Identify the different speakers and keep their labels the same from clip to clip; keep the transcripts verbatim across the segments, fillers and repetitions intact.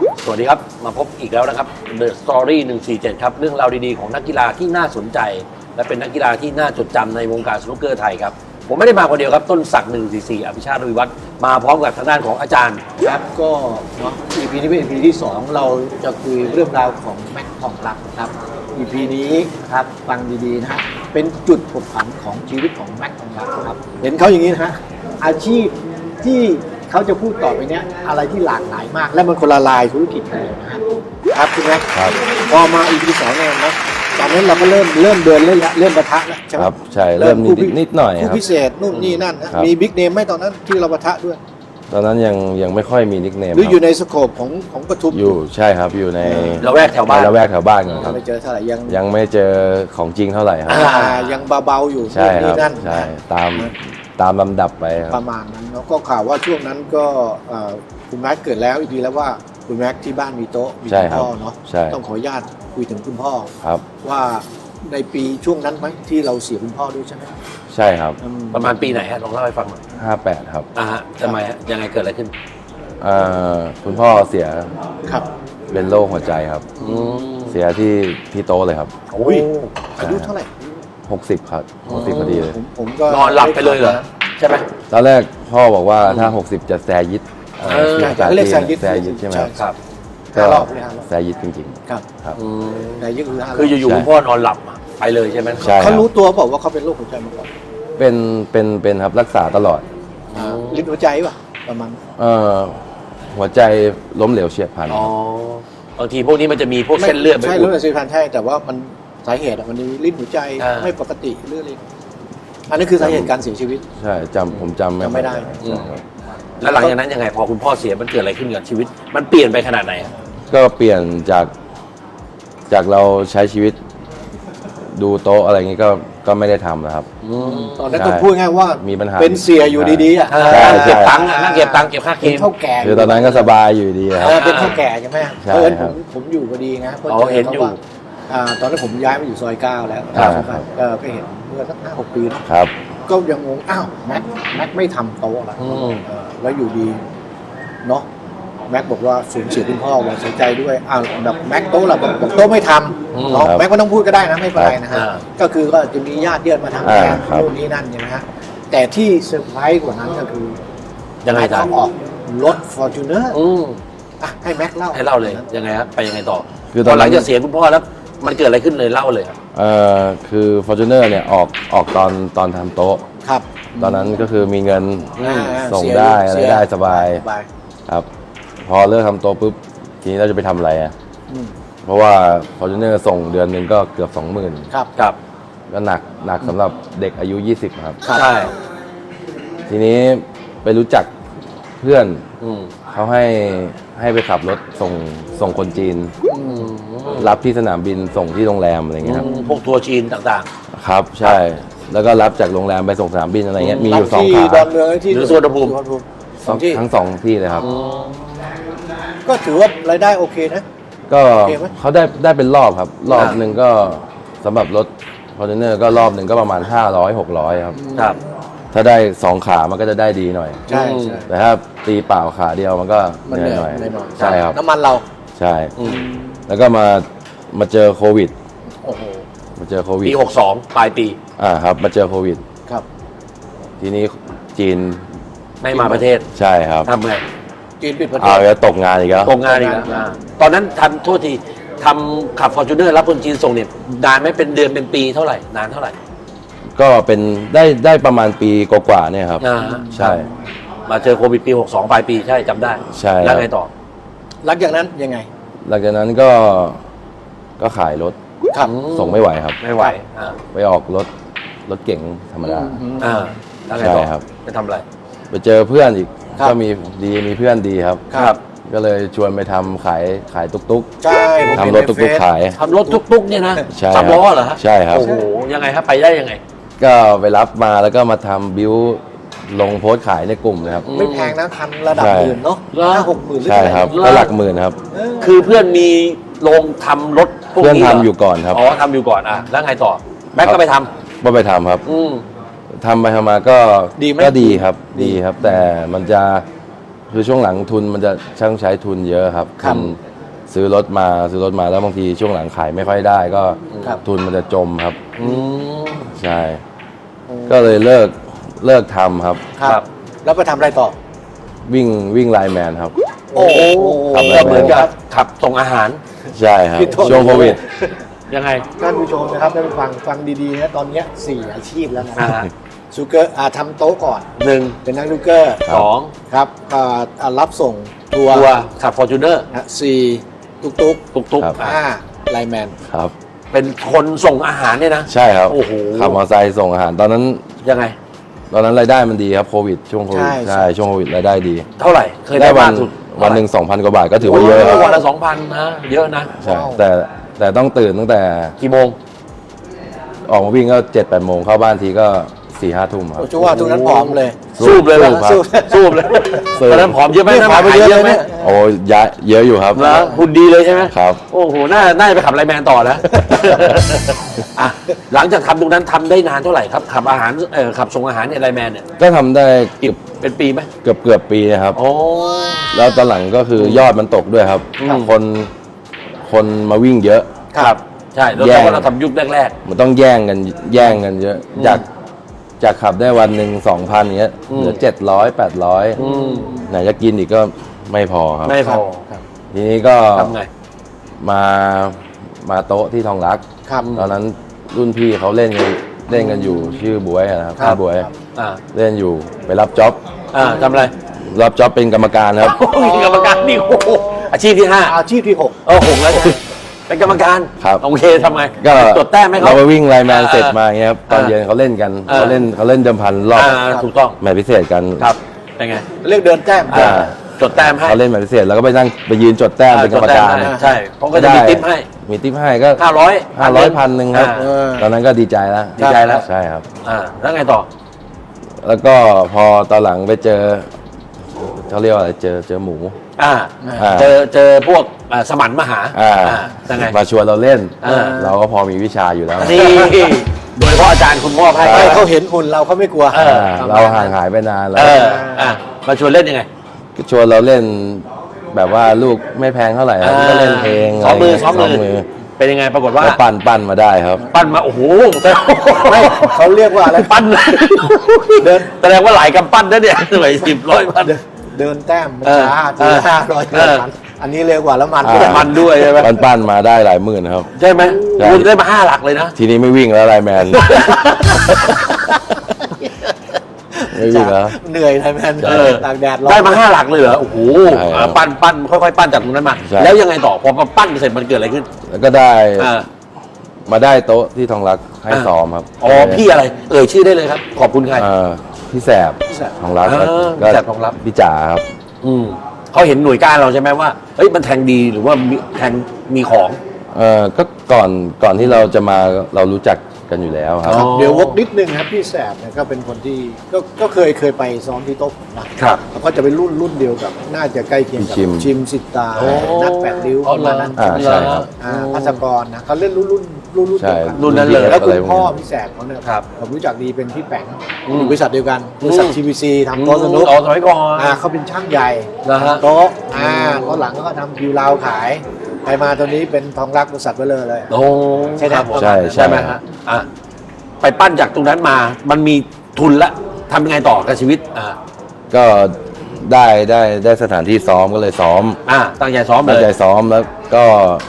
Speaker 1: สวัสดีครับมาพบอีกแล้วนะครับ The Story หนึ่งสี่เจ็ดครับเรื่องราวดีๆของนักกีฬาที่น่าสนใจและเป็นนักกีฬาที่น่าจดจำในวงการสนุกเกอร์ไทยครับผมไม่ได้มาคนเดียวครับต้นศักดิ์หนึ่งสี่สี่อภิชาติวิวัฒน์มาพร้อมกับทางด้านของอาจารย์
Speaker 2: ครับก็เนาะ อี พี นี้เป็น อี พี ที่สองเราจะคุยเรื่องราวของแม็กทองรักนะครับ อี พี นี้ครับฟังดีๆนะฮะเป็นจุดผกผันของชีวิตของแม็กทองรักนะครับเห็นเขาอย่างนี้นะฮะอาชีพที่เขาจะพูดต่อไปเนี้ยอะไรที่หลากหลายมากและมันคนละลายธุรกิจกันเลยนะฮะครับคุณแม็กครับพอมา อี พี สองเนี่ยนะตอนนั้นเราก็เริ่มเริ่มเดินเล่นละเริ่มปะทะแล้วใช่ไหม
Speaker 3: ครับใช่เริ่มนิดนิดหน่อยครับ
Speaker 2: ผู้พิเศษนู่นนี่นั่นนะมีบิ๊กเนมไหมตอนนั้นที่เราปะทะด้วย
Speaker 3: ตอนนั้นยังยังไม่ค่อยมีนิกเนม
Speaker 2: หรืออยู่ในสโคปของของปทุม
Speaker 3: อยู่ใช่ครับอยู่ใน
Speaker 1: ละแวกแถวบ้าน
Speaker 3: ละแวกแถวบ้านกันครับ
Speaker 2: ไม่เจอเท่าไหร่ยัง
Speaker 3: ยังไม่เจอของจริงเท่าไหร่ครับ
Speaker 2: ยังเบาๆอยู่
Speaker 3: ใช่ครับ
Speaker 2: นั่น
Speaker 3: ใช่ตามตามลำดับไปครับ
Speaker 2: ประมาณนั้นแล้วก็ข่าวว่าช่วงนั้นก็คุณแม็กเกิดแล้วอีกทีแล้วว่าคุณแม็กที่บ้านมีโต๊ะมีคุณพ่อเนาะต้องขออนุญาตคุยถึงคุณพ่อ
Speaker 3: ครับ
Speaker 2: ว่าในปีช่วงนั้นไหมที่เราเสียคุณพ่อด้วยใช่ไหม
Speaker 3: ใช่ครับ
Speaker 1: ประมาณปีไหนฮะลองเล่าให้ฟังหน่อย
Speaker 3: ห้าแปดครับ
Speaker 1: อ่าฮะทำไมฮะยังไงเกิดอะไรขึ้น
Speaker 3: อ่าคุณพ่อเสีย
Speaker 2: ครับ
Speaker 3: เป็นโรคหัวใจครับเสียที่ที่โต๊ะเลยครับ
Speaker 2: โอ้ยอายุเท่าไหร่
Speaker 3: หกสิบครับหกสิบพอดีเลย
Speaker 2: ผมก็
Speaker 1: นอนหลับไปเลยเหรอใช่ไหม
Speaker 3: ตอนแรกพ่อบอกว่าถ้าหกสิบจะแซยิด
Speaker 2: ใช่เรียกแซยิด
Speaker 3: แซยิดใช่ไหมครับ
Speaker 2: ก็
Speaker 3: แซยิดจริง
Speaker 2: ๆครับ
Speaker 3: ครับ
Speaker 2: แซยิดคือ
Speaker 1: คืออยู่ๆคุณพ่อนอนหลับไปเลยใช่ไหม
Speaker 2: เขารู้ตัวบอกว่าเขาเป็นโรคหัวใจมาก่อน
Speaker 3: เป็นเป็นเป็นครับรักษาตลอด
Speaker 2: ลิ้นหัวใจป่ะประมาณ
Speaker 3: เอ่อหัวใจล้มเหลวเฉียบพลัน
Speaker 1: อ๋อบางทีพวกนี้มันจะมีพวกเส้นเลือด
Speaker 2: ใช่เลือดเฉียบพลันใช่แต่ว่ามันสาเหตุมันมีลิ้นหัวใจไม่ปกติเรื่องอะไรอันนี้คือสาเหตุการเสียชีวิต
Speaker 3: ใช่จำผมจำ
Speaker 2: ไม่ได้
Speaker 1: แล้วหลังจากนั้นยังไงพอคุณพ่อเสียมันเกิดอะไรขึ้นกับชีวิตมันเปลี่ยนไปขนาดไหน
Speaker 3: ก็เปลี่ยนจากจากเราใช้ชีวิตดูโต๊ะอะไรอย่างนี้ก็ก็ไม่ได้ทำนะครับ
Speaker 2: ตอนนั้นก็พูดง่ายว่า
Speaker 3: มีปัญหา
Speaker 2: เป็นเสียอยู่ดีๆอ่ะ
Speaker 1: เก็บตังค์นั่งเก็บตังค์เก็บค่าเคม
Speaker 2: เท่าแก่
Speaker 3: คือตอนนั้นก็สบายอยู่ดีครับ
Speaker 2: เป็นเท่าแก่ใช่ไหมเพราะฉะนั้นผมผมอยู่พอดีนะเพราะ
Speaker 1: เห็นอยู่
Speaker 2: ตอนนั้นผมย้ายมาอยู่ซอยเก้าแล้วก็เห็นเมื่อสักห้าหกปี
Speaker 3: ครับ
Speaker 2: ก็ยังงงอ้าวแม็กแม็กไม่ทำโต๊ะแล้วแล้วอยู่ดีเนาะแม็กบอกว่าสูญเสียคุณพ่อว่าเสียใจด้วยอ้าวแบบแม็กโต๊ะเราบอกโต๊ะไม่ทำเนาะแม็กก็ต้องพูดก็ได้นะไม่เป็นไรนะฮะก็คือก็จะมีญาติเยือนมาทำแทนนู่นนี่นั่นใช่ไหมฮะแต่ที่เซอร์ไพรส์กว่านั้นก็คือ
Speaker 1: ยังไง
Speaker 2: เขาออกรถ Fortuner อ่ะให้แม็กเล่า
Speaker 1: ให้เล่าเลยยังไงฮะไปยังไงต่อคือตอนหลังจะเสียคุณพ่อแล้วมันเกิดอะไรขึ้นเลยเล่าเลยครับ
Speaker 3: เอ่อคือ Fortuner เนี่ยออกออกตอนตอนทำโต๊ะ
Speaker 2: ครับ
Speaker 3: ตอนนั้นก็คือมีเงินส่งได้อะไรได้สบายครับพอเลิกทำโต๊ะปุ๊บทีนี้เราจะไปทำอะไรอ่ะเพราะว่า Fortuner ส่งเดือนหนึ่งก็เกือบสองหมื่น
Speaker 2: ครับ
Speaker 1: ครับ
Speaker 3: ก็หนักหนักสำหรับเด็กอายุยี่สิบครับ
Speaker 1: ใช่
Speaker 3: ทีนี้ไปรู้จักเพื่อนเขาให้ให้ไปขับรถส่งส่งคนจีนรับที่สนามบินส่งที่โรงแรมอะไรเงี้ยครับ
Speaker 1: พวกทัวร์จีนต่าง
Speaker 3: ๆครับใช่แล้วก็รับจากโรงแรมไปส่งสนามบินอะไรเงี้ยมีอยู่สองขา
Speaker 2: ดอนเมืองที่
Speaker 1: หรือสุวรรณภูมิ
Speaker 3: ทั้งสองที่เลยครับ
Speaker 2: ก็ถือว่ารายได้โอเคนะ
Speaker 3: ก็เขาได้ได้เป็นรอบครับรอบหนึ่งก็สำหรับรถฟอร์จูเนอร์ก็รอบหนึ่งก็ประมาณห้าร้อยหกร้อยครับ
Speaker 1: ครับ
Speaker 3: ถ้าได้สองขามันก็จะได้ดีหน่อย
Speaker 2: ใช่
Speaker 3: แต่ถ้าตีเปล่าขาเดียวมันก็เหนื่อยหน่อยใช่ครับ
Speaker 2: น้ำมันเรา
Speaker 3: ใช่แล้วก็มามาเจอโควิด
Speaker 2: โอ้โห
Speaker 3: มาเจอโควิด
Speaker 1: ปีหกสองปลายปี
Speaker 3: อ่าครับมาเจอโควิด
Speaker 2: ครับ
Speaker 3: ทีนี้จีน
Speaker 1: ไม่มาประเทศ
Speaker 3: ใช่ครับ
Speaker 1: ทำไง
Speaker 2: จีนปิดประเทศ
Speaker 3: เอาแล้วตกงานอีกแล้ว
Speaker 1: ตกงานอีกแล้วตอนนั้นทำโทษทีทำขับฟอร์จูเนอร์รับคนจีนส่งเนี่ยนานไหมเป็นเดือนเป็นปีเท่าไหร่นานเท่าไหร่
Speaker 3: ก็เป็นได้ได้ประมาณปีกว่าๆเนี่ยครับใช่
Speaker 1: มาเจอโควิดปีหกสองปลายปีใช่จำได้
Speaker 3: ใช่
Speaker 1: แล้วไงต่อ
Speaker 2: หลังจากนั้นยังไง
Speaker 3: หลังจากนั้นก็ก็ขายรถส่งไม่ไหวครับ
Speaker 1: ไม่ไหว
Speaker 3: ไปออกรถรถเก๋งธรรมดา
Speaker 1: อ่าแล้วไงต่อครับไปทำอะไร
Speaker 3: ไปเจอเพื่อนอีกก็มีดีมีเพื่อนดีครับ
Speaker 1: ครับ
Speaker 3: ก็เลยชวนไปทำขายขายตุ๊กตุ๊ก
Speaker 2: ใช่
Speaker 3: ทำรถตุ๊กตุ๊กขาย
Speaker 1: ทำรถตุ๊กตุ๊กเนี่ยนะสามล้อเหรอฮะ
Speaker 3: ใช่ครับ
Speaker 1: โอ้โหยังไงครับไปได้ยังไง
Speaker 3: ก็ไปรับมาแล้วก็มาทำบิวลงโพสต์ขายในกลุ่มนะครับ
Speaker 2: ไม่แพงนะคันระดับหมื่นเนาะห้าหกหมื่น
Speaker 3: ใช่ครับก็หลักหมื่นครับ
Speaker 1: คือเพื่อนมีโรงทำรถ
Speaker 3: เพื่อนทำอยู่ก่อนครับ
Speaker 1: อ๋อทำอยู่ก่อนอ่ะแล้วไงต่อแม็กก็ไปทำ
Speaker 3: ก็ไปทำครับทำไปทำมาก็ก็ดีครับดีครับแต่มันจะคือช่วงหลังทุนมันจะช่างใช้ทุนเยอะครับ
Speaker 2: ครับ
Speaker 3: ทุนซื้อรถมาซื้อรถมาแล้วบางทีช่วงหลังขายไม่ค่อยได้ก็
Speaker 2: ครับ
Speaker 3: ทุนมันจะจมครับ
Speaker 1: อืม
Speaker 3: ใช่ ก็เลยเลิกเลิกทำครับ
Speaker 2: ครับ แล้วไปทำอะไรต่อ
Speaker 3: วิ่งวิ่งไลน์แมนครับ
Speaker 2: โอ้โห
Speaker 3: ครับ
Speaker 1: ก็เหมือนกับขับส่งอาหาร
Speaker 3: ใช่ครับ
Speaker 2: พี่โทษ
Speaker 3: ช่วงโควิด
Speaker 1: ยังไง
Speaker 2: ท่านผู้ชมนะครับได้ไปฟังฟังดีๆนะตอนเนี้ยสี่อาชีพแล้วนะ
Speaker 1: อ่า
Speaker 2: ซูเกอร์อ่าทำโต๊ะก่อน
Speaker 1: หนึ่ง
Speaker 2: เป็นนักซูเกอร์
Speaker 1: สอง
Speaker 2: ครับอ่าอ่ารับส่งทัวร์
Speaker 1: ตัวขับฟอร์จูเนอร์
Speaker 2: นะสี่ตุ๊กตุ๊ก
Speaker 1: ตุกตุก
Speaker 3: ครับ
Speaker 2: ห้าไลน์แมน
Speaker 3: ครับ
Speaker 1: เป็นคนส่งอาหารเนี่ยนะ
Speaker 3: ใช่ครับ
Speaker 1: โอ้โห
Speaker 3: ขับมอเตอร์ไซค์ส่งอาหารตอนนั้น
Speaker 1: ยังไง
Speaker 3: ตอนนั้นรายได้มันดีครับโควิดช่วงโควิดใช่ช่วงโควิดรายได้ดี
Speaker 1: เท่าไหร่ เคย
Speaker 3: ได้
Speaker 1: ได้
Speaker 3: วั
Speaker 1: มาน กสุด
Speaker 3: วันหนึ่งสองพันกว่าบาทก็ถือว่าเยอะ
Speaker 1: โโห
Speaker 3: ครับ
Speaker 1: วันละสองพันนะ เยอะนะ
Speaker 3: ใช่แต่แต่ต้องตื่นตั้งแต่
Speaker 1: กี่โมง
Speaker 3: ออกมาวิ่งก็เจ็ดแปดโมงเข้าบ้านทีก็สี่ห้าทุ่มครับ
Speaker 2: โอ้ชัวร์ทุกนั้นผอมเลย
Speaker 1: สูบเลยเหรอ
Speaker 3: ครับ
Speaker 2: สูบ
Speaker 1: สูบเลย
Speaker 3: สูบ
Speaker 1: ตอนนั้นผอมเยอะไหม
Speaker 2: นี่
Speaker 1: น้ำ
Speaker 2: ผ
Speaker 1: ห
Speaker 2: อ
Speaker 1: นั
Speaker 2: ม
Speaker 1: ก
Speaker 2: ไป
Speaker 1: หาย
Speaker 2: เยอะ
Speaker 1: เยอะไหม
Speaker 2: นะเนี่ย
Speaker 3: โอ้ยะเยอะอยู่ครับ
Speaker 1: แล้วหุ่นดีเลยใช่ไหม
Speaker 3: ครับ
Speaker 1: โอ้โห น่า น่าจะไปขับไลน์แมนต่อนะ อ่ะ หลังจากทำตรงนั้นทำได้นานเท่าไหร่ครับ ขับอาหาร เออขับส่งอาหารเนี่ยไลน์แมนเนี่ย
Speaker 3: ก็ทำได้
Speaker 1: กี่เป็นปีไหม
Speaker 3: เกือบเกือบปีนะครับ
Speaker 1: โอ้
Speaker 3: แล้วตอนหลังก็คือยอดมันตกด้วยครับ
Speaker 1: อืม
Speaker 3: คนคนมาวิ่งเยอะ
Speaker 1: ครับ ใช่ แล้ว
Speaker 3: แย่ง
Speaker 1: เราทำยุคแรก
Speaker 3: มันต้องแย่งกันแย่งกันเยอะ
Speaker 1: อืม
Speaker 3: จากจากขับได้วันหนึ่งสองพันเงี้ย
Speaker 1: อืม
Speaker 3: เหลือเจ็ดร้อยแปดร้อย
Speaker 1: ๆ อืม
Speaker 3: ไหนจะกินอีกก็ไม่พอครับ
Speaker 1: ไม่พอ
Speaker 2: ครับ
Speaker 3: ทีนี้ก็
Speaker 1: ทำไง
Speaker 3: มามาโต๊ะที่ทองรัก
Speaker 2: ครับ
Speaker 3: ตอนนั้นรุ่นพี่เขาเล่นกันเล่นกันอยู่ชื่อบวยอะนะครับ
Speaker 2: ครับ
Speaker 3: พี่บวย
Speaker 1: อ่า
Speaker 3: เล่นอยู่ไปรับจ็อบ
Speaker 1: อ่าทำอะไร
Speaker 3: รับจ็อบเป็นกรรมการครับ
Speaker 1: โอ้ยกรรมการนี่โอ้โหอาชีพที่ห้า
Speaker 2: อาชีพที่หก
Speaker 1: โอ้โหแล้วไงเป็นกรรมการ
Speaker 3: ครับ
Speaker 1: โอเคทำไง
Speaker 3: ก็
Speaker 1: จดแต้มไหม
Speaker 3: เรา
Speaker 1: เขา
Speaker 3: ไปวิ่งไลน์แมน
Speaker 1: อ่า
Speaker 3: เสร็จมาอย่างเงี้ยครับตอน
Speaker 1: อ่า
Speaker 3: เย็นเขาเล่นกัน
Speaker 1: อ่า
Speaker 3: เขาเล่นเขาเล่นเดิมพันรอบ
Speaker 1: อ่าถูกต้อง
Speaker 3: แมตช์พิเศษกัน
Speaker 1: ครับเป็นไง
Speaker 2: เรียกเดินแต้ม
Speaker 3: อ่า
Speaker 1: จดแต้มให้
Speaker 3: เขาเล่นแมตช์พิเศษแล้วก็ไปนั่งไปยืนจดแต้มเป็นกรรมการ
Speaker 1: จดแต้ให้ใช่เขาก็จะมี
Speaker 3: ได้
Speaker 1: ทิปให้
Speaker 3: มีทิปให้ก็
Speaker 1: ห้าร้อย
Speaker 3: ห้าร้อยพันหนึ่งครับ
Speaker 1: อ่า
Speaker 2: เออ
Speaker 3: ตอนนั้นก็ดีใจแล้ว
Speaker 1: ดีใจแล้ว
Speaker 3: ใช่ครับ
Speaker 1: อ่าแล้วไงต่อ
Speaker 3: แล้วก็พอตอนหลังไปเจอเขาเรียกว่าอะไรเจอเจอหมู
Speaker 1: อ่า
Speaker 3: อ่า
Speaker 1: เจอเจอพวกอ่าสมันมหา
Speaker 3: อ่า
Speaker 1: ยังไง
Speaker 3: มาชวนเราเล่น
Speaker 1: อ่า
Speaker 3: เราก็พอมีวิชาอยู่แล้ว
Speaker 1: นี่โดยเฉพาะอาจารย์คุณมอบให้
Speaker 2: ให้เขาเห็นหุ่นเราเขาไม่กลัว
Speaker 1: เออ
Speaker 3: อ่าเราห่างหายไปนานแล้ว
Speaker 1: เอออ่ะมาชวนเล่นยังไง
Speaker 3: ก็ชวนเราเล่นแบบว่าลูกไม่แพงเท่าไหร่ครับก็เล่นเพลง
Speaker 1: ซ้อมมือ
Speaker 3: อะไร
Speaker 1: ซ้อม
Speaker 3: เงี้ย
Speaker 1: มือเป็นยังไงปรากฏว่า
Speaker 3: ก็ปั้นปั้นมาได้ครับ
Speaker 1: ปั้นมาโอ้โหแต่
Speaker 2: ไม่เขาเรียกว่าอะไร
Speaker 1: ปั้น
Speaker 2: เดิน
Speaker 1: แสดงว่าหลายกำปั้นนะเนี่ยหน่วยสิบร้อยพัน
Speaker 2: เดินเดินแต้มมัน
Speaker 1: เออ
Speaker 2: ช้า
Speaker 1: เอ
Speaker 2: ที
Speaker 1: อ
Speaker 2: ห้าร้อย
Speaker 1: เออ
Speaker 2: อันนี้เร็วกว่าแล้วมัน
Speaker 3: อ่า
Speaker 2: ด้วย
Speaker 1: มันด้วยใช่ไหม
Speaker 3: ปั้นปั้นมาได้หลายหมื่นครับ
Speaker 1: ใช่ไหม
Speaker 3: ใช่
Speaker 1: คุณได้มาห้าหลักเลยนะ
Speaker 3: ทีนี้ไม่วิ่งแล้วไลน์แมน ไม่วิ่งแล้ว
Speaker 2: เหนื่อยไทยแมน
Speaker 1: เออ
Speaker 2: ตากแดดร้อน
Speaker 1: ได้มาห้าหลักเลยเหรอโอ้โห
Speaker 3: ใช่ครับ
Speaker 1: อ่าปั้นปั้นค่อยๆปั้นจากตรงนั้นมา
Speaker 3: ใช่
Speaker 1: แล้วยังไงต่อพอมาปั้นเสร็จมันเกิดอะไรขึ้น
Speaker 3: แล้วก็ได้
Speaker 1: อ่า
Speaker 3: มาได้โต๊ะที่ทองรักให้
Speaker 1: อ่า
Speaker 3: ซ้อมครับ
Speaker 1: อ๋อพี่อะไร เอ่ยชื่อได้เลยครับ ขอบคุณใคร
Speaker 3: เอ่อพี่แสบ
Speaker 2: พี่แสบ
Speaker 3: ทองรัก
Speaker 1: เออ
Speaker 3: ก็
Speaker 1: พี่แสบทองรัก
Speaker 3: พี่จ๋าครับ
Speaker 1: อืมเขาเห็นหน่วยก้านเราใช่ไหมว่าเฮ้ยมันแทงดีหรือว่ามีแทงมีของ
Speaker 3: เออก็ก่อนก่อนที่เราจะมาเรารู้จักกันอยู่แล้วครับ
Speaker 1: อ๋อ
Speaker 2: เดี๋ยววกนิดนึงครับพี่แสบเนี่ยก็เป็นคนที่ก็ก็เคยเคยไปซ้อมที่โต๊ะผมนะครับ แล้วก็จะเป็นรุ่นรุ่นเดียวกับ น่าจะใกล้เคียงกับ
Speaker 3: ชิม
Speaker 2: ชิมสิตา
Speaker 1: โอ้
Speaker 2: นัดแปดริ้ว
Speaker 1: อ๋อ
Speaker 2: ประมาณนั้น
Speaker 3: อ่าใช่ครับ
Speaker 2: อ่าพัสกรนะเขาเล่นรุ่นรุ่นรุ่นรุ่น
Speaker 3: ใช่
Speaker 2: เดียวกัน
Speaker 1: รุ่นนั้นเลย
Speaker 2: แล้วคุณ
Speaker 3: ะไรพก
Speaker 2: พ่อ
Speaker 3: นี้
Speaker 2: พี่แสบเขาเนี่ย
Speaker 1: ครับ
Speaker 2: ผมรู้จักดีเป็นพี่แป๋ง
Speaker 1: อืม
Speaker 2: อยู่บริษัทเดียวกันบริษัท
Speaker 1: อืม
Speaker 2: ทีวีซีทำโต๊ะสนุก
Speaker 1: อ๋อสมัยก่อน
Speaker 2: อ่าเขาเป็นช่างใหญ่
Speaker 1: เหรอฮะ
Speaker 2: ทำโต๊ะอ่าตอนหลังก็ทำคิวราวขายไปมาตอนนี้เป็นทองรักบริษัทเบลอเลย
Speaker 1: โอ้
Speaker 2: ใช่ไหม
Speaker 1: ครับผม
Speaker 3: ใช่ใช่
Speaker 1: ใช่ไหมฮะอ่ะไปปั้นจากตรงนั้นมา มันมีทุนละทำยังไงต่อกับชีวิต อ่า
Speaker 3: ก็ได้ได้ได้สถานที่ซ้อมก็เลยซ้อม
Speaker 1: อ่าตั้งใจซ้อมเล
Speaker 3: ตั้ง
Speaker 1: ย
Speaker 3: ใจซ้อมแล้วก็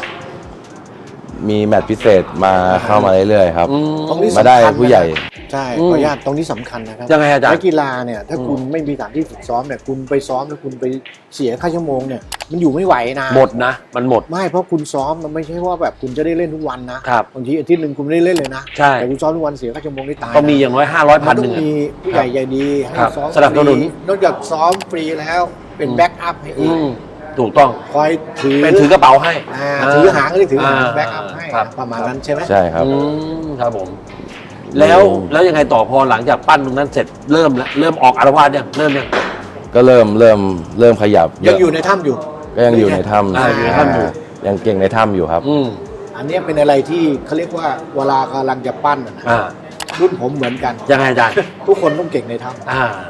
Speaker 3: มีแมตช์พิเศษมาเข้ามาเรื่อยๆครับ
Speaker 1: อืม
Speaker 2: ตรงนี้
Speaker 3: มาได้
Speaker 2: สำคัญนะ
Speaker 3: ผู้ใหญ่
Speaker 2: ใช่
Speaker 1: อื
Speaker 2: ข
Speaker 1: ม
Speaker 2: ออนุญาตตรงนี้สำคัญนะครับ
Speaker 1: ยังไงอาจารย์
Speaker 2: นักกีฬาเนี่ยถ้าคุณไม่มีสถานที่ฝึกซ้อมเนี่ยคุณไปซ้อมแล้วคุณไปเสียค่าชั่วโมงเนี่ยมันอยู่ไม่ไหวนะ
Speaker 1: หมดนะ มันหมด
Speaker 2: ไม่เพราะคุณซ้อมมันไม่ใช่ว่าแบบคุณจะได้เล่นทุกวันนะครับ บางทีอาทิตย์หนึ่งคุณไม่ได้เล่นเลยนะ
Speaker 1: ใช่
Speaker 2: แต่คุณซ้อมทุกวันเสียค่าชั่วโมงได้ตาย
Speaker 1: ก็มีอย่างน้อยห้าร้อย
Speaker 2: มั
Speaker 1: พัน
Speaker 2: น
Speaker 1: ห
Speaker 2: ต้
Speaker 1: นึ่
Speaker 2: อง ง
Speaker 1: อะ
Speaker 2: มีผู้ใหญ่ใจดีให้
Speaker 1: ครับ
Speaker 2: ซ้อม
Speaker 1: สนับสนุน
Speaker 2: ฟรีนอกจากซ้อมฟรีแล้วเป็น
Speaker 1: อืม
Speaker 2: แบ็กอัพให้
Speaker 1: อื
Speaker 2: อีก
Speaker 1: มถูกต้อง
Speaker 2: คอยถือ
Speaker 1: เป็นถือกระเป๋าให้
Speaker 2: อ่าถือหางก็ได้ถือหาง
Speaker 1: า
Speaker 2: แบ็กอัพให้
Speaker 1: ครับ
Speaker 2: ประมาณนั้นใช่ไหม
Speaker 3: ใช่ครับ
Speaker 1: อืมครับผม แล้วแล้วยังไงต่อพอหลังจากปั้นตรงนั้นเสร็จเริ่มแล้วเริ่มออกอารวาสยังเริ่มยัง
Speaker 3: ก็เริ่มเริ่มเริ่มขยับ
Speaker 2: ยังอยู่ในถ้ำอยู่
Speaker 3: ก็ยังอยู่ในถ้
Speaker 1: อ่าอยู่ในถ้ำอยู่
Speaker 3: ำยังเก่งในถ้ำอยู่ครับ
Speaker 1: อืม
Speaker 2: อันเนี้ยเป็นอะไรที่เขาเรียกว่าเวลากำลังจะปั้นอะนะ
Speaker 1: อ่า
Speaker 2: รุ่นผมเหมือนกัน
Speaker 1: ยังไงอาจารย์
Speaker 2: ทุกคนต้องเก่งในถ้
Speaker 1: อ่า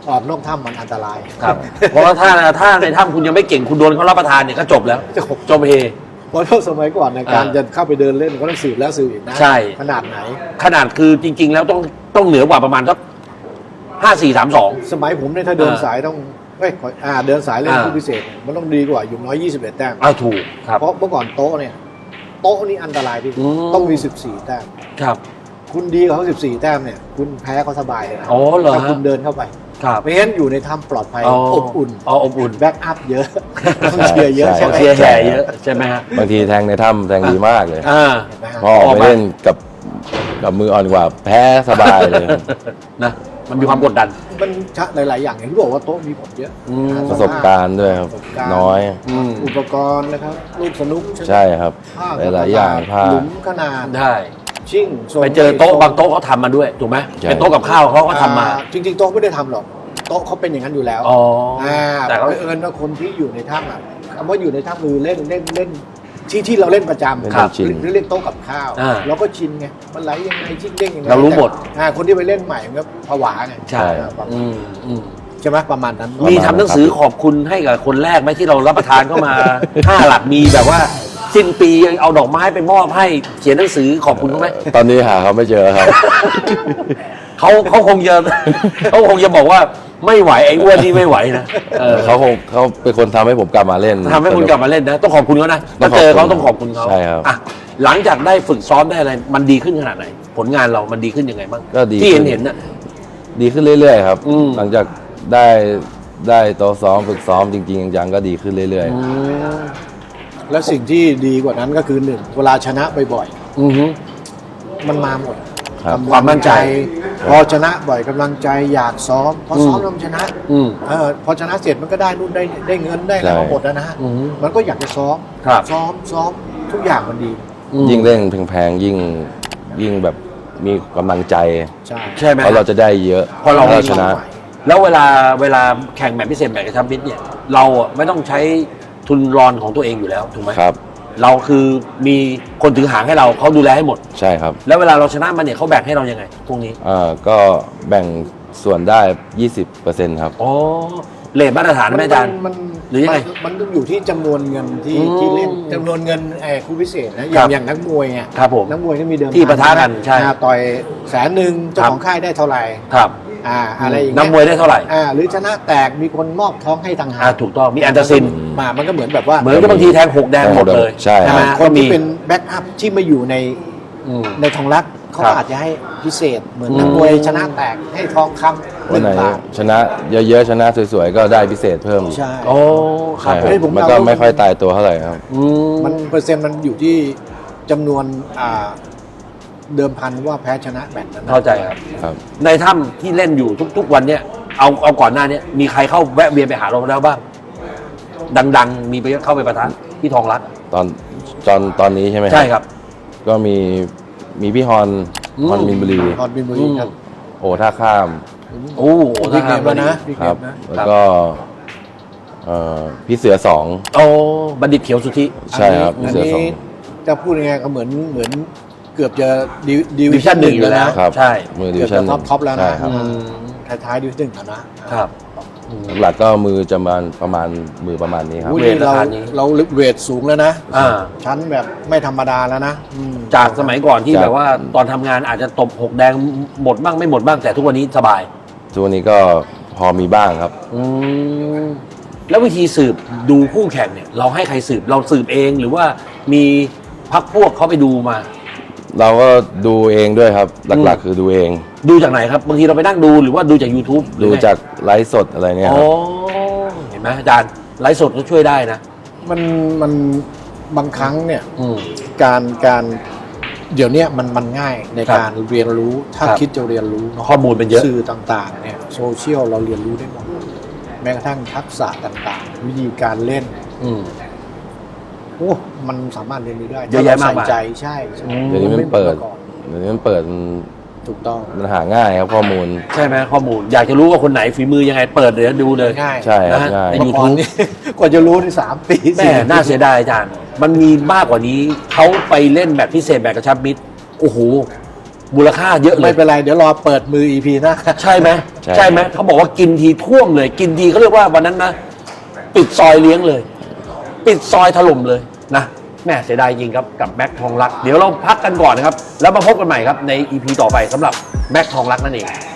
Speaker 2: ออกนอกถ้ำมันอันตราย
Speaker 1: ครับ เพราะว่าถ้าถ้าในถ้ำคุณยังไม่เก่งคุณโดนเขารับประทานเนี่ยก็จบแล้ว
Speaker 2: จบ
Speaker 1: จบเฮ
Speaker 2: เพราะสมัยก่อนในยการ
Speaker 1: อ่า
Speaker 2: จะเข้าไปเดินเล่นก็ต้องสืบแล้วสืบอีกนะ
Speaker 1: ใช่
Speaker 2: ขนาดไหน
Speaker 1: ขนาดคือจริง ๆ แล้วต้องต้องเหนือกว่าประมาณสักห้าสี่สามสอง
Speaker 2: สมัยผมเนี่ยถ้าเดิน
Speaker 1: อ่า
Speaker 2: สายต้องเอ้ยขออ่าเดินสายเล่น
Speaker 1: อ่า
Speaker 2: ผู้พิเศษเนี่ยมันต้องดีกว่าอยู่น้อยยี่สิบเอ็ดแต้ม
Speaker 1: อ้าวถูกครับ
Speaker 2: เพราะเมื่อก่อนโต๊ะเนี่ยโต๊ะนี่อันตรายที่สุด
Speaker 1: อืม
Speaker 2: ต้องมีสิบสี่แต้ม
Speaker 1: ครับ
Speaker 2: คุณดีกว่าเขาสิบสี่แต้มเนี่ยคุณแพ้เขาสบายเลยนะ
Speaker 1: อ๋อเหรอ
Speaker 2: ถ้า
Speaker 1: ฮะ
Speaker 2: คุณเดินเข้าไป
Speaker 1: ครับ
Speaker 2: ไม่งั้นอยู่ในถ้ำปลอดภัยอบอุ่น
Speaker 1: อ๋ออบอุ่น
Speaker 2: แบ็กอัพเยอะต้องเชียร์เยอะ
Speaker 3: ใช่
Speaker 2: ใช่ไหม
Speaker 1: เชียร์แห่เยอะใช่ไหมฮะ
Speaker 3: บางทีแทงในถ้ำแทงดีมากเลย
Speaker 1: อ่า
Speaker 2: เห็นไหมฮะ
Speaker 3: พอออกไปเล่นกับกับมืออ่อนกว่า แพ้สบายเลย
Speaker 1: นะมันมีความกดดัน
Speaker 2: มันชะหลาย ๆ อย่างอย่างที่บอกว่าโต๊ะมีผลเยอะ
Speaker 1: อืม
Speaker 2: อ่
Speaker 3: ประสบการณ์ด้วยครับ
Speaker 2: ประสบการณ์
Speaker 3: น้อย
Speaker 1: อืม
Speaker 2: อุปกรณ์นะครับลูกสนุกไหม
Speaker 3: ใช่ครับ
Speaker 2: ผ้
Speaker 3: หลายๆอย่างผ้า
Speaker 2: หลุมขนาด
Speaker 1: ได้
Speaker 2: ชิ่งทรง
Speaker 1: ไปเจอโต๊ะบางโต๊ะเขาทำมาด้วยถูกไหม
Speaker 3: ใช่
Speaker 1: เป็นโต๊ะกับข้าวเขาก็ทำมา
Speaker 2: อ่จริง ๆ โต๊ะไม่ได้ทำหรอกโต๊ะเขาเป็นอย่างนั้นอยู่แล้ว
Speaker 1: อ๋อ
Speaker 2: อ่า
Speaker 1: แต่
Speaker 2: แต่
Speaker 1: เขา
Speaker 2: เอิญว่าคนที่อยู่ในถ้ำอ่ะคำว่าอยู่ในถ้ำคือเล่นเล่นเล่นที่ที่เราเล่นประจำ
Speaker 3: เล่น
Speaker 2: ครับ
Speaker 3: ชิน
Speaker 2: หรือเล่นโต๊ะกับข้าว
Speaker 1: อ่า
Speaker 2: เราก็ชินไงมันไหลยังไงชิ่งเด้งยังไง
Speaker 1: เรารู้หมด
Speaker 2: แต่อ่าคนที่ไปเล่นใหม่มันก็ผวาไง
Speaker 1: ใช่
Speaker 2: อ่าประมาณ
Speaker 1: อืมอืม
Speaker 2: ใช่ไหมประมาณนั้น
Speaker 1: มีทำหนังสือขอบคุณให้กับคนแรกไหมที่เรารับประทานเข้ามา ห้าหลักมีแบบว่า สิ้นปีเอาดอกไม้ไปมอบให้เขียนหนังสือขอบคุณเขาไหม
Speaker 3: ตอนนี้หาเขาไม่เจอครับ
Speaker 1: เขาเขาคงจะ เขาคงจะบอกว่าไม่ไหวไอ้อ้วนนี่ไม่ไหวนะเออ
Speaker 3: เขาคงเขาเป็นคนทำให้ผมกลับมาเล่น
Speaker 1: ทำให้คุณกลับมาเล่นนะ ต้องขอบคุณเขานะ
Speaker 3: ต้
Speaker 1: ถ้า
Speaker 3: องขอบคุณ
Speaker 1: เจอเขาต้องขอบคุณเขา
Speaker 3: ใช่ครับ
Speaker 1: อ่ะหลังจากได้ฝึกซ้อมได้อะไร มันดีขึ้นขนาดไหน ผลงานเรามันดีขึ้นยังไงบ้าง
Speaker 3: ก็ดี
Speaker 1: ที่เห็น
Speaker 3: ขึ้น
Speaker 1: เห็นน่ะ
Speaker 3: ดีขึ้นเรื่อยๆครับ
Speaker 1: อืม
Speaker 3: หลังจากได้ได้โต๊ะซ้อมฝึกซ้อมจริงๆจังๆก็ดีขึ้นเรื่อย
Speaker 2: และสิ่งที่ดีกว่านั้นก็คือหนึ่งเวลาชนะบ่อย
Speaker 1: อือฮึ
Speaker 2: ๆมันมาหมด
Speaker 3: ๆครับ
Speaker 2: กำลัง
Speaker 1: ความมั่นใจ
Speaker 2: พอชนะบ่อยกำลังใจอยากซ้อมพอซ้อม
Speaker 1: อืม
Speaker 2: แล้วมันชนะ
Speaker 1: อืม
Speaker 2: เออพอชนะเสร็จมันก็ได้นู่นได้ได้เงินได้อะไร
Speaker 3: ใช่
Speaker 2: มาหมดแล้วนะฮะ
Speaker 1: อืม
Speaker 2: มันก็อยากจะซ้อม
Speaker 1: ครับ
Speaker 2: ซ้อมซ้อมทุกอย่างมันดี
Speaker 1: อืม
Speaker 3: ยิ่งเล่นแพงๆยิ่งยิ่งแบบมีกำลังใจ
Speaker 2: ใช่
Speaker 1: ใช่ไหม
Speaker 3: เพราะเราจะได้เยอะ
Speaker 1: เพราะเรา
Speaker 3: ถ้ชนะ
Speaker 1: แล้วเวลาเวลาแข่งแบบพิเศษแบบกระชับมิตรเนี่ย เราอ่ะไม่ต้องใช้ทุนรอนของตัวเองอยู่แล้วถูกไหม
Speaker 3: ครับ
Speaker 1: เราคือมีคนถือหางให้เราเขาดูแลให้หมด
Speaker 3: ใช่ครับ
Speaker 1: แล้วเวลาเราชนะมันเนี่ยเขาแบ่งให้เรายังไงพวกนี้
Speaker 3: อ่าก็แบ่งส่วนได้ ยี่สิบเปอร์เซ็นต์ ครับ
Speaker 1: อ๋อเลทมาตรฐานไหมอาจารย์
Speaker 2: มัน
Speaker 1: หรือยังไง
Speaker 2: มันมันต้องอยู่ที่จำนวนเงินที่
Speaker 1: อืม
Speaker 2: ที่เล่นจำนวนเงินไอ้คู่พิเศษนะอ
Speaker 1: ครั
Speaker 2: ย่าง
Speaker 1: บ
Speaker 2: อย่างนักมวยอ่ะ
Speaker 1: ครับผม
Speaker 2: นักมวยที่มีเดิม
Speaker 1: ที่ปะทะกันใช่
Speaker 2: อ่าต่อยแสนหนึ่งเจ้า
Speaker 1: ครับ
Speaker 2: ของค่ายได้เท่าไหร่
Speaker 1: ครับ
Speaker 2: อ่าอะไรอย่างเงี้
Speaker 1: นักมวยได้เท่าไหร่
Speaker 2: อ่าหรือชนะแตกมีคนมอบท้องให้ต่างหา
Speaker 1: อ่าก ถูกต้องมีแอนเตอร์ซิน
Speaker 2: มามันก็เหมือนแบบว่า
Speaker 1: เหมือนกับบางทีแทงหกแดงหมดเลย
Speaker 3: ใช่
Speaker 1: ไหม
Speaker 2: คนที่เป็นแบ็กอัพที่มาอยู่ใน
Speaker 1: อืม
Speaker 2: ในทองรักเขา
Speaker 1: ครับ
Speaker 2: อาจจะให้พิเศษ เหมือน
Speaker 1: อืม
Speaker 2: นักมวยชนะแตกให้ทองคำห
Speaker 3: วัน
Speaker 2: นึ่ง
Speaker 3: ไหน
Speaker 2: บาท
Speaker 3: ชนะเยอะๆชนะสวยๆก็ได้พิเศษเพิ่ม
Speaker 2: ใช่
Speaker 1: โอ้ครั
Speaker 3: ใช่
Speaker 1: บ
Speaker 3: ครับ
Speaker 2: เฮ้ยผม
Speaker 3: มัน
Speaker 2: เอา
Speaker 3: ก็ไม่ค่อยตายตัวเท่าไหร่ครับ
Speaker 1: อืม
Speaker 2: มันเปอร์เซ็นต์มันอยู่ที่จำนวนอ่าเดิมพันว่าแพ้ชนะแมตช์นั้น
Speaker 1: เข้าใจครับ
Speaker 3: ครับ
Speaker 1: ในถ้ำที่เล่นอยู่ทุก ๆ วันเนี่ยเอาเอาก่อนหน้าเนี้มีใครเข้าแวะเวียนไปหาเราแล้วบ้าง ดัง ๆ มีไปเข้าไปประทะที่ทองรัก
Speaker 3: ตอนตอนตอนนี้ใช่ไหม
Speaker 1: ใช่ครับ
Speaker 3: ก็มีมีพี่ฮอน
Speaker 1: อืม
Speaker 3: ฮอนมินบุรี
Speaker 2: ตอนบินบุรีครับ
Speaker 3: โอท่าข้าม
Speaker 1: โอ้โห
Speaker 2: บิ๊กเนม
Speaker 1: วั
Speaker 2: แล้วนะบิ๊ก
Speaker 3: ค
Speaker 2: เน
Speaker 3: รับ
Speaker 2: มนะ
Speaker 3: แล้วก็เอ่อพี่เสือสอง
Speaker 1: โอ้บัณฑิตเขียวสุทธิ
Speaker 3: ใช่ครับ
Speaker 2: อัน
Speaker 3: เสือ
Speaker 2: นี้
Speaker 3: สอง
Speaker 2: จะพูดยังไงก็เหมือนเหมือนเกือบจะดิ
Speaker 1: ดิวิชั่นหนึ่งอยู่แล้ว
Speaker 3: ครับ
Speaker 1: ใช่
Speaker 3: มือดิ
Speaker 2: เกื
Speaker 3: วิ
Speaker 2: อบ
Speaker 3: ชั่น
Speaker 2: จะท็อปท็อปแล้ว
Speaker 3: ใช่
Speaker 2: นะครับ
Speaker 1: อืม
Speaker 2: ท้ายๆดิวิชั่นหนึ่งแล้วนะครับ
Speaker 3: หลักๆก็มือจะประมาณประมาณมือประมาณนี้ครับ
Speaker 2: อุ้ย
Speaker 1: เวท
Speaker 2: นี่เรา
Speaker 1: ราคานี้
Speaker 2: เราเวทสูงแล้วนะ
Speaker 1: อ่า
Speaker 2: ชั้นแบบไม่ธรรมดาแล้วนะอืม
Speaker 1: จากสมัยก่อนที่
Speaker 3: จาก
Speaker 1: แบบว่าตอนทำงานอาจจะตบหกแดงหมดบ้างไม่หมดบ้างแต่ทุกวันนี้สบาย
Speaker 3: ทุกวันนี้ก็พอมีบ้างครับ
Speaker 1: อืมแล้ววิธีสืบดูคู่แข่งเนี่ย เราให้ใครสืบเราสืบเองหรือว่ามีพักพวกเขาไปดูมา
Speaker 3: เราก็ดูเองด้วยครับ หลักๆ คือดูเอง
Speaker 1: ดูจากไหนครับบางทีเราไปนั่งดูหรือว่าดูจาก YouTube หรือ
Speaker 3: ดู
Speaker 1: ไง
Speaker 3: จากไลฟ์สดอะไรเนี่ย
Speaker 1: อ๋
Speaker 3: ค
Speaker 1: อ
Speaker 3: รับ
Speaker 1: เห็นไหมอาจารย์ไลฟ์สดก็ช่วยได้นะ
Speaker 2: มันมันบางครั้งเนี่ย
Speaker 1: อืม
Speaker 2: การการเดี๋ยวเนี้ยมันมันง่ายใน
Speaker 1: ครับ
Speaker 2: การเรียนรู้ถ้า
Speaker 1: ครับ
Speaker 2: คิดจะเรียนรู้เนาะ
Speaker 1: ข้อมูลเป็นเยอะ
Speaker 2: สื่อต่างๆเนี่ยโซเชียลเราเรียนรู้ได้หมดแม้กระทั่งทักษะต่างๆ วิธีการเล่น
Speaker 1: อืม
Speaker 2: โอ้มันสามารถเรียนรู้ได้
Speaker 1: เยอะแยะมากมาย
Speaker 2: ใส่ใจใช่ใช่
Speaker 1: อืม
Speaker 3: เดี๋ยวนี้มันเปิด เดี๋ยวนี้มันเปิดมัน
Speaker 2: ถูกต้อง
Speaker 3: มันหาง่ายครับข้อมูล
Speaker 1: ใช่ไหมข้อมูล อยากจะรู้ว่าคนไหนฝีมือยังไงเปิดเดี๋ยวดูเลย
Speaker 2: ง่าย
Speaker 3: ใช่ครับ
Speaker 1: นะฮะ
Speaker 3: ง่าย
Speaker 1: ใน
Speaker 2: เมื่อก่อน
Speaker 1: YouTube
Speaker 2: นี่ กว่าจะรู้ในสามปี
Speaker 1: แม่น่าเสียดายอาจารย์ มันมีมากกว่านี้เขาไปเล่นแบบพิเศษแบบกระชับมิตรโอ้โหมูลค่าเยอะเล
Speaker 2: ไม่
Speaker 1: ย
Speaker 2: เป็นไร เดี๋ยวรอเปิดมือ อี พี หน้า
Speaker 1: ใช่ไหม
Speaker 3: ใช่
Speaker 1: ใช่ไหมเขาบอกว่ากินทีท่วมเลย กินทีเขาเรียกว่าวันนั้นนะปิดซอยเลี้ยงเลย ปิดซอยถล่มเลยนะแม่เสียดายจริงครับกับแม็กทองรักเดี๋ยวเราพักกันก่อนนะครับแล้วมาพบกันใหม่ครับใน อี พี ต่อไปสำหรับแม็กทองรักนั่นเอง